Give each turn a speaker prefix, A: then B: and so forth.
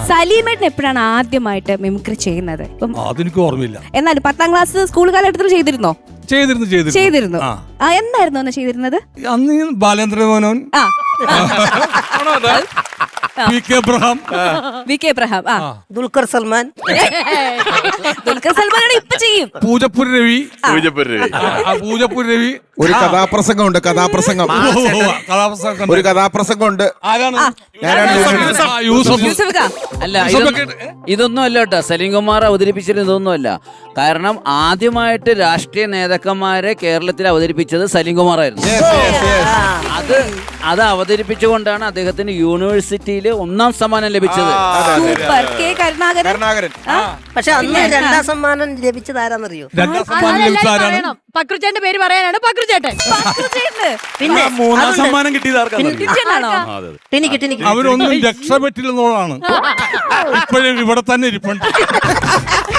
A: സലീമേട്ടൻ എപ്പോഴാണ് ആദ്യമായിട്ട് മിമിക്രി ചെയ്യുന്നത്?
B: അതെനിക്ക് ഓർമ്മയില്ല.
A: എന്നാലും 10ാം ക്ലാസ് സ്കൂൾ കാലഘട്ടത്തിൽ ചെയ്തിരുന്നോ? ചെയ്തിരുന്നു. എന്നായിരുന്നു അന്ന് ചെയ്തിരുന്നത്?
B: അന്ന് ബാലേന്ദ്രമേനോൻ, വി കെ എബ്രഹാം,
C: ദുൽഖർ സൽമാൻ
A: ഇപ്പൊ ചെയ്യും.
B: പൂജപ്പുര രവി.
D: ഒരു കഥാപ്രസംഗമുണ്ട്. ഒരു കഥാപ്രസംഗമുണ്ട്.
E: അല്ല, ഇതൊന്നും അല്ല കേട്ടോ. സലീം കുമാർ അവതരിപ്പിച്ചത് ഇതൊന്നുമല്ല. കാരണം ആദ്യമായിട്ട് രാഷ്ട്രീയ നേതാക്കന്മാരെ കേരളത്തിൽ അവതരിപ്പിച്ചത് സലീം കുമാറായിരുന്നു. അത് അവതരിപ്പിച്ചുകൊണ്ടാണ് അദ്ദേഹത്തിന് യൂണിവേഴ്സിറ്റിയിൽ 1ാം സമ്മാനം ലഭിച്ചത്.
C: പക്ഷെ അന്ന് 2ാം സമ്മാനം ലഭിച്ചത് ആരാന്നറിയോ?
A: പക്രുചേട്ടന്റെ പേര് പറയാനാണ്. പക്രുചേട്ടൻ
C: പിന്നെ
B: 3ാം സമ്മാനം കിട്ടിയത്
C: ടിനിക്ക്
B: അവരൊന്നും രക്ഷപ്പെട്ടില്ലെന്നുള്ളതാണ്. ഇപ്പോഴും ഇവിടെ തന്നെ ഇരിപ്പുണ്ട്.